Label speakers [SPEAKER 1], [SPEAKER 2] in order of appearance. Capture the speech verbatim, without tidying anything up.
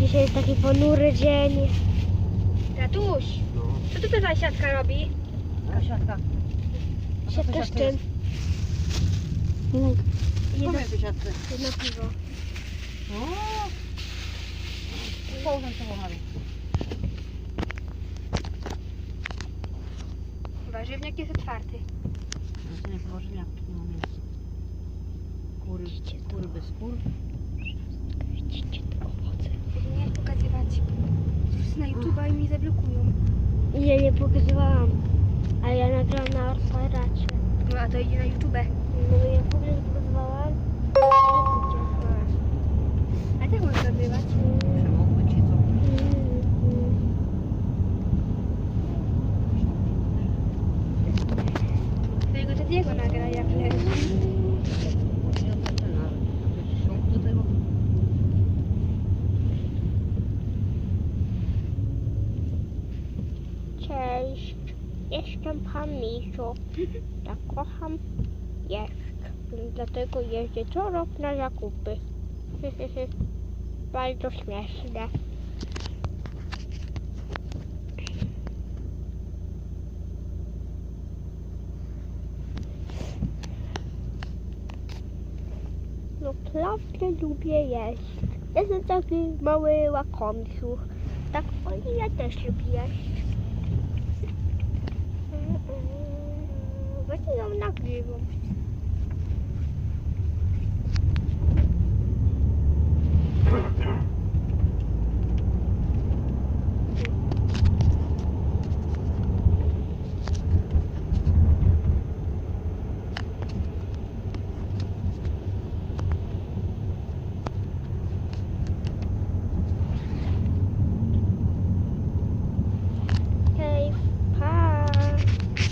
[SPEAKER 1] Dzisiaj jest taki ponury dzień.
[SPEAKER 2] Tatuś,
[SPEAKER 3] No.
[SPEAKER 2] co tu ta siatka robi?
[SPEAKER 3] A siatka.
[SPEAKER 1] Siatka z czym?
[SPEAKER 3] Jedno w siatce.
[SPEAKER 1] Jedno piwo.
[SPEAKER 3] O! Połóżę się wąchami.
[SPEAKER 2] Warzywniak jest otwarty.
[SPEAKER 3] No to nie położyli, jak nie ma miejsca. Kury, kury bez kur.
[SPEAKER 1] Widzicie te owoce?
[SPEAKER 2] Nie pokazywać. Na YouTube'a i mi zablokują.
[SPEAKER 1] Ja nie pokazywałam. A ja nagrałam na otwaracie.
[SPEAKER 2] No a to idzie na YouTube.
[SPEAKER 1] No ja w ogóle nie pokazywałam.
[SPEAKER 2] A tak można nagrywać.
[SPEAKER 3] Przemokły ci co?
[SPEAKER 2] Twojego tatiego nagra jak leży.
[SPEAKER 3] Ja też ten nawet. Jakbyś szło do tego.
[SPEAKER 1] Cześć. Jestem pan Misiu. Ja kocham jeść. Dlatego jeżdżę co rok na zakupy. Bardzo śmieszne. Naprawdę lubię jeść. Jestem taki mały łakomsiu. Tak oni ja też lubię jeść. Właśnie ją nagrywam.